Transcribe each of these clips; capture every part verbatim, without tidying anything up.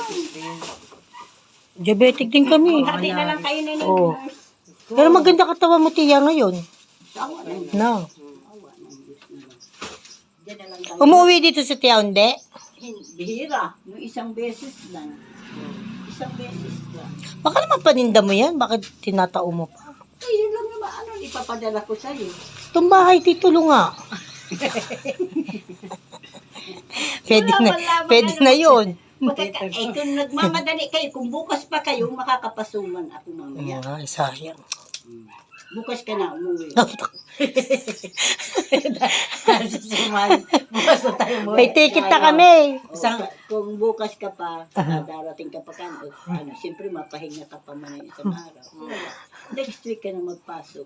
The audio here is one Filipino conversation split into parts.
Diabetic din kami. Hati na lang kayo na Oo. Pero maganda katawan mo, tiya, ngayon. No. Umuwi dito sa Tiaunde? Bihira. Yung isang beses lang. Isang beses lang. Baka naman paninda mo yan. Bakit tinatao mo pa? Eh, yun lang naman. Ano, ipapadala ko sa'yo. Itong bahay, titulo nga. Pwede na, pwede na yun. Pagka, eh, kung nagmamadali kayo, kung bukas pa kayo, makakapasuman ako mamaya. Ay, sayang. Bukas ka na umuwi. Susuman. Bukas na tayo mo. May ticket na kami. Isang, kung bukas ka pa, uh, darating ka pa ka, o, ano, siyempre mapahinga ka pa man ng isang araw. Wala. Next week ka na magpasok.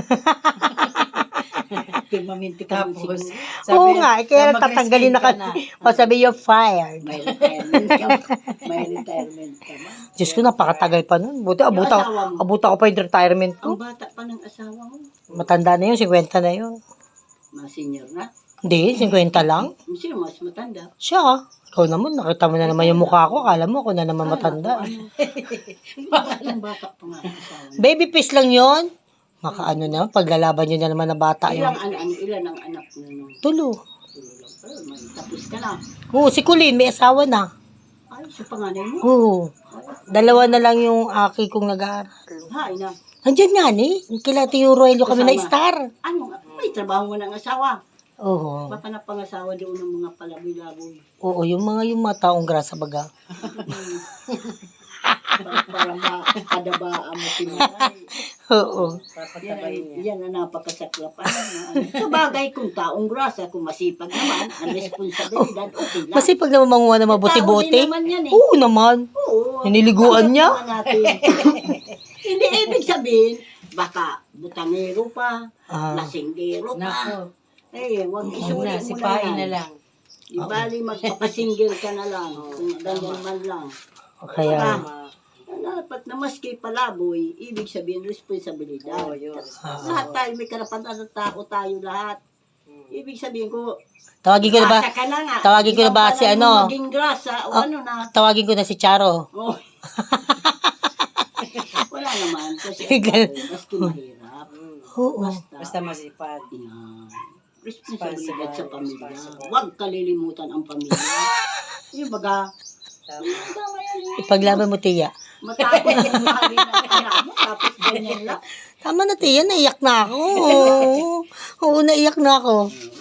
Permanente ka mo Tapos, siguro. Oo nga, eh, kaya mag-resign tatanggalin na ka kami. O sabi, you're fired. May retirement ka. May retirement ka ba? Diyos ko, napakatagal pa nun. Buti, abuta, asawa mo? abuta ko pa yung retirement Ang ko. bata pa ng asawa mo. Matanda na yun, fifty na yun. Mga senior na. Hindi, fifty lang. Sino mas matanda? Siya, ikaw naman, nakita mo na naman yung mukha ko. Kala mo ako na naman matanda. Ano? Batang bata pa nga ang asawa mo. Baby face lang yon. Makaano na, paglalaban nyo na naman na bata Ilang, yun. ano, ano, ilan ang anak mo nung Tulo. tulong? Pero may tapos ka na. Oo, si Kulin, may asawa na. Ay, sa panganay mo? Oo. Dalawa na lang yung aki kong nag-aaral. Hay na. Nandiyan nga ni, kila Tio Roelio kami na Kasama. star. Ano nga? May trabaho mo ng asawa. Oo. Baka na pangasawa doon ng mga palaboy-laboy. Oo, yung mga yung mga taong grasa baga. Para, para makadabaan mo pinay. Oo. Yan, yan ang napakasaklapan. Ano. Sa bagay, kung taong grasa, kung masipag naman, ang responsibilidad, okay lang. Kasi pag naman manguha na Tao mabuti-buti. din naman yan eh. Oo naman. Oo. Hiniliguan niya. tanggap naman natin. Hindi ibig sabihin, baka butangero pa, Ah. lasinggero pa. Nako. Eh, wag Una, isuli mo sipain na na yan. lang. Di bali, magpapasinggil ka na lang. Kung ganyan man lang. Kaya, Ah, dapat na maski palaboy, ibig sabihin responsibilidad. Oo, yun. Lahat tayo may karapatan at tao tayo lahat. Ibig sabihin ko, tawagin ko na ba? grasa ka na nga. Tawagin ko na ba Ikaw si pa lang ano? yung maging grasa o Ah. ano na. Tawagin ko na si Charo. Oh. Wala naman. Kasi Bigla- ako, maski mahirap. Oo. Basta, Basta masipag. yan. Responsibilidad sa Responsible, pamilya. responsible. Huwag kalilimutan ang pamilya. Yung baga, Tama. tama yan eh. Ipaglaban mo, Tiya. Matapos ang mahalin ng anak mo, tapos ganyan lang. Tama na, Tiya. Naiyak na ako. Oo, naiyak na ako.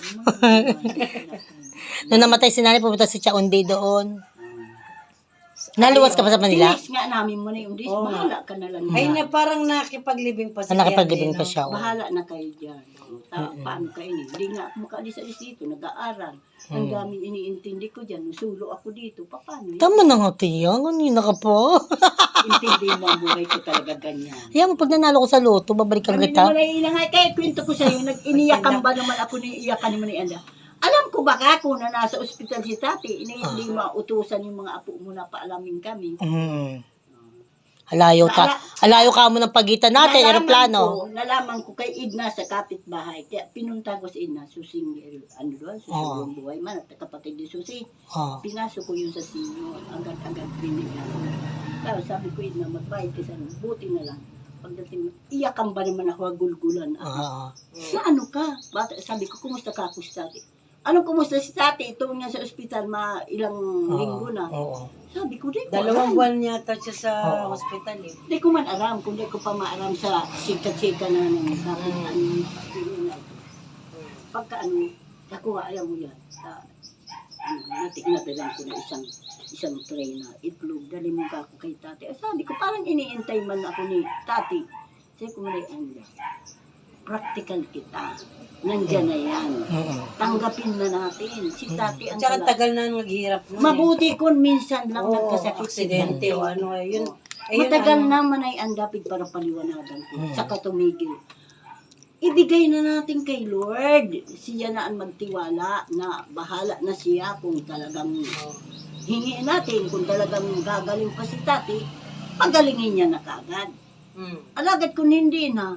Nung namatay si nanay, pumunta si Chaundi doon. Naluwas ka pa sa Manila? Tinis nga namin mo na yung dis. Oo. Bahala ka na lang. Ay, dyan. na parang nakipaglibing pa Ah, siya. nakipaglibing pa siya. oh. Bahala na kayo dyan. O, ta- paano kayo ni? Hindi nga ako makaalis-alis dito. Nag-aaral. Ang daming iniintindi ko dyan. Nusulo ako dito. Pa- Paano yun? Tama na nga, Tiya. Kanina ka pa. Intindi mo ang buhay ko talaga ganyan. Kaya mo, pag nanalo ko sa loto, babalikan Kami kita. naman ay inangay. Kaya kwento ko sa'yo, nag-iniyakan ba naman ako ni iyakan naman ni Anda? Alam ko baka kung na nasa ospital si tati, ini hindi mautusan yung mga apo mo na paalamin kami. Mm. Alayo ka. Alayo ka mo ng pagitan natin, Nalaman aeroplano. Ko, nalaman ko kay Idna sa kapitbahay. Kaya pinunta ko si Idna, susing, ano doon, susing buhay man, at kapatid ni Susi. Oh. Pinasok ko yun sa sinyo, agad-agad binigyan ko. Tapos sabi ko, Idna, magbayad ka sa buti na lang. Pagdating mo, iyakan ba naman ako, gulgulan ako. Ah. Na ano ka? Bata, sabi ko, kumusta ka ako si tati? Anong kumusta si tati? Ito nga sa ospital, ma ilang linggo na. Oo. Sabi ko, di ko Dalawang alam. buwan yata siya sa Oo. hospital eh. Di ko man alam, kung di ko pa maaram sa sika-sika na ng kapit, ano, ano na ito. Pagka ano, ako nga, alam mo yan, uh, ano, natik na dalang ko na isang isang tray na itlog, dali mo ka ako kay tati. Eh, sabi ko, parang iniintay man ako ni tati. Sabi ko, malay, anda, practical kita. Nandyan na yan. Mm-mm. Tanggapin na natin. Si tati ang Tsaka tala- tagal na naghihirap nun eh. Mabuti kung minsan lang Oo, nagkasakit si aksidente tati. o ano eh. Yun, ayun, Matagal ano, naman ay andapid para paliwanagan ko. Mm. Saka tumigil. Ibigay na natin kay Lord. Siya na ang magtiwala na bahala na siya kung talagang hingiin natin. Kung talagang gagaling pa si tati, pagalingin niya na kagad. Mm. Alagad kung hindi na, Mm.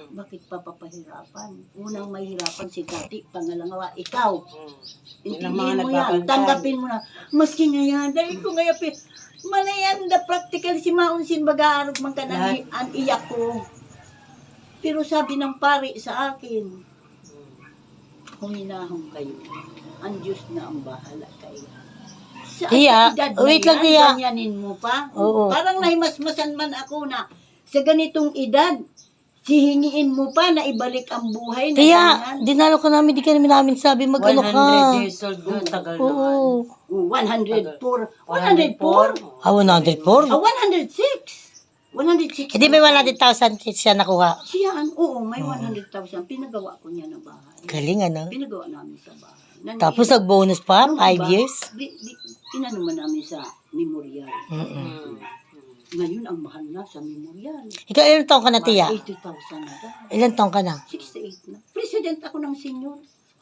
Bakit papapahirapan? Unang mahirapan si Tati, pangalawa, ikaw. Yun ang mga Intindihin mo yan, nagbabantay. tanggapin mo na. Maski ngayon, dahil ko ngayon, pi- manayan da practical si Maunsin Bagaarog man ka Lahat. nang an iyak ko. Pero sabi ng pari sa akin, huminahon kayo. Ang Diyos na ang bahala kayo. Sa Tiya, edad na wait lang, yan, Tiya. ganyanin mo pa. Oo. Parang nahimasmasan man ako na sa ganitong edad, sihingiin mo pa na ibalik ang buhay na Kaya, ganyan. dinalo ka namin, di ka namin namin sabi mag-ano one ka. hundred years old na, tagal naman. Oo. Oh, one hundred four. one hundred four? Ah, one hundred four? Ah, one hundred six. one hundred six. Hindi may one hundred thousand siya nakuha. Siya, oo, may one hundred thousand. Pinagawa ko niya ng bahay. Galing ano. Pinagawa namin sa bahay. Nan- Tapos nag-bonus pa, Nung five iba, years. Di, di, inano man namin sa memorial. Mm-mm. Ngayon, ang mahal na sa memorial. Ikaw, ilang taong ka na, Tiya? eighty thousand na daw. Ilang taong ka na? sixty-eight na. President ako ng senior.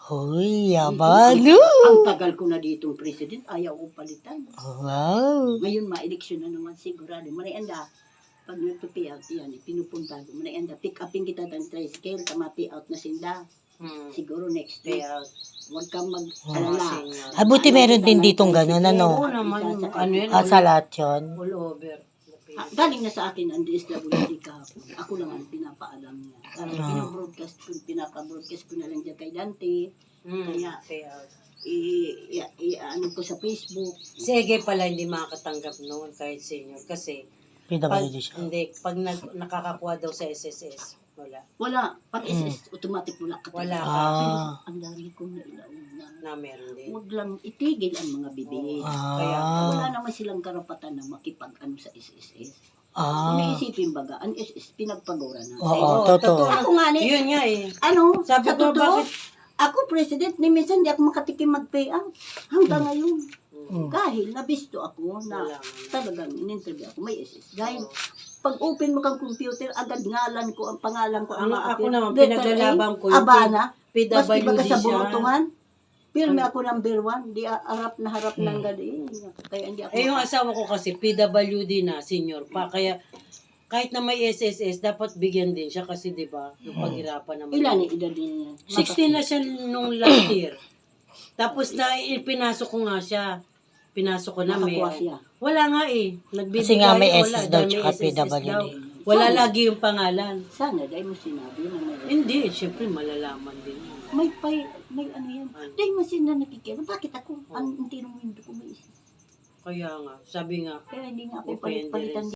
Hoy, yabalo. Ang tagal ko na ditong president, ayaw ko palitan. Wow. Ngayon, ma-eleksyon na naman sigurado. Marianda, pag nagpa-pay out yan, pinupunta ko. Marianda, pick upin kita ng tricycle, tama-pay out na sinda. Hmm. Siguro next week. Payout. Huwag kang mag-alala. Ah, buti meron din ditong ganun, ano? Oo naman, ano yun, Ah, sa lahat yun. all over. Ah, galing na sa akin ang D S W D kahapon. Ako lang ang pinapaalam niya. Sabi, Ah. pinabroadcast ko, pinapa-broadcast ko na lang dyan kay Dante. Hmm. Kaya, Payout. i, i, i, ano ko sa Facebook. Si Ege pala hindi makakatanggap noon kahit senior kasi P W pag, D siya. hindi, pag nag, nakakakuha daw sa S S S, wala. Wala. Pag S S, automatic wala ka. Wala ka. Ah. Ang dami kong nailauna. Na meron din. Huwag lang itigil ang mga bibig. Kaya, Wala Ah. naman silang karapatan na makipag-ano sa S S S. Ah. Iniisipin baga, ang S S S pinagpagura na. Oo, Oo, totoo. Ako nga ni, Yun nga eh. ano, Sabi sa ko, totoo, bakit? ako president, ni minsan hindi ako makatikim mag-pay out. Hanggang ngayon. Mm. Dahil nabisto ako na Wala nga. talagang in-interview ako, may S S. Dahil pag open mo kang computer, agad ngalan ko, ang pangalan ko, ang Ang mga ako appeal. naman, Letter pinaglalaban A, ko yung Abana, P W maski D baga sa siya. burutungan. Pirme ako number one, di a- harap na harap ng gadi. Kaya hindi ako Eh yung maka- asawa ko kasi P W D na, senior pa. Kaya kahit na may S S S, dapat bigyan din siya kasi di ba yung paghirapan naman. Ilan ni edad niya? sixteen na siya nung last year. Tapos na ipinasok ko nga siya. Pinasok ko na may. Nakakuha siya. Wala nga eh. Nagbibigay, Kasi nga may wala, S S daw dahil may tsaka S S S P W D. daw. Wala lagi yung pangalan. Sana dahil mo sinabi na may, Hindi, syempre malalaman din. yun. may, pay, may ano yan. Dahil mo sila nakikita. Bakit ako? Ang tinong window ko may isa. Kaya nga, sabi nga, Kaya hindi nga ako Depende palit-palitan rin